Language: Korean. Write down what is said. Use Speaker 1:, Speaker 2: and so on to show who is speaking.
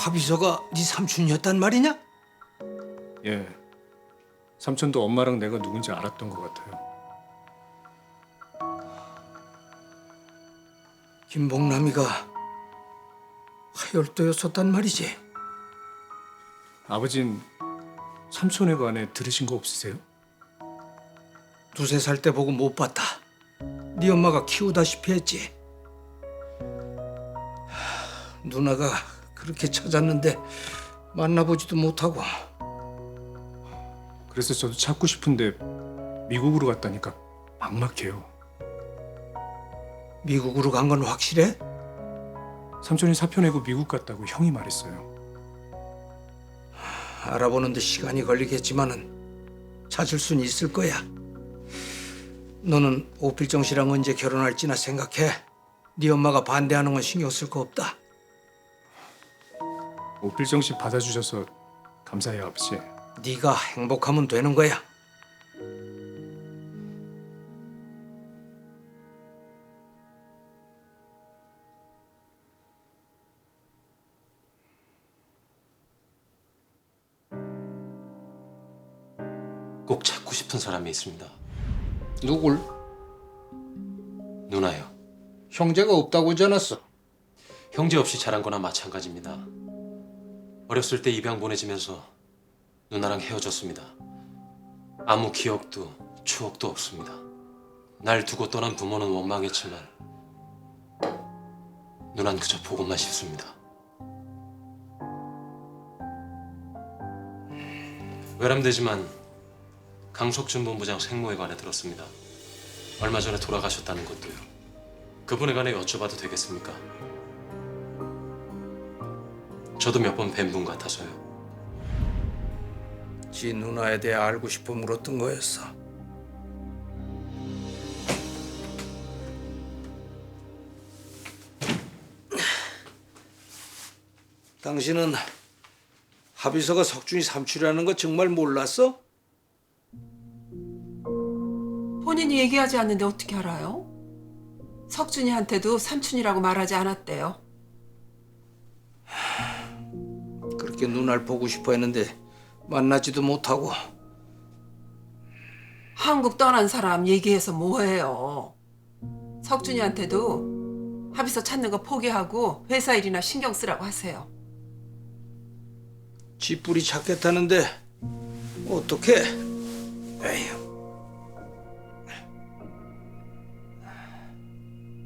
Speaker 1: 화비서가 네 삼촌이었단 말이냐?
Speaker 2: 예. 삼촌도 엄마랑 내가 누군지 알았던 것 같아요.
Speaker 1: 김복남이가 하열도였었단 말이지.
Speaker 2: 아버진 삼촌에 관해 들으신 거 없으세요?
Speaker 1: 두세 살 때 보고 못 봤다. 네 엄마가 키우다시피 했지. 누나가 그렇게 찾았는데 만나보지도 못하고.
Speaker 2: 그래서 저도 찾고 싶은데 미국으로 갔다니까 막막해요.
Speaker 1: 미국으로 간 건 확실해?
Speaker 2: 삼촌이 사표 내고 미국 갔다고 형이 말했어요.
Speaker 1: 알아보는데 시간이 걸리겠지만은 찾을 수는 있을 거야. 너는 오필정 씨랑 언제 결혼할지나 생각해. 네 엄마가 반대하는 건 신경 쓸 거 없다.
Speaker 2: 오필정 씨 받아주셔서 감사해요, 아버지.
Speaker 1: 네가 행복하면 되는 거야.
Speaker 3: 꼭 찾고 싶은 사람이 있습니다.
Speaker 1: 누굴?
Speaker 3: 누나요.
Speaker 1: 형제가 없다고 하지 않았어?
Speaker 3: 형제 없이 자란 거나 마찬가지입니다. 어렸을 때 입양 보내지면서 누나랑 헤어졌습니다. 아무 기억도 추억도 없습니다. 날 두고 떠난 부모는 원망했지만 누난 그저 보고만 싶습니다. 외람되지만 강석준 본부장 생모에 관해 들었습니다. 얼마 전에 돌아가셨다는 것도요. 그분에 관해 여쭤봐도 되겠습니까? 저도 몇 번 뵌 분 같아서요.
Speaker 1: 지 누나에 대해 알고 싶어 물었던 거였어. 당신은 합의서가 석준이 삼촌이라는 거 정말 몰랐어?
Speaker 4: 본인이 얘기하지 않는데 어떻게 알아요? 석준이한테도 삼촌이라고 말하지 않았대요.
Speaker 1: 그렇게 누나를 보고 싶어 했는데 만나지도 못하고.
Speaker 4: 한국 떠난 사람 얘기해서 뭐해요. 석준이한테도 합의서 찾는 거 포기하고 회사 일이나 신경 쓰라고 하세요.
Speaker 1: 지 뿌리 찾겠다는데 어떡해? 에휴.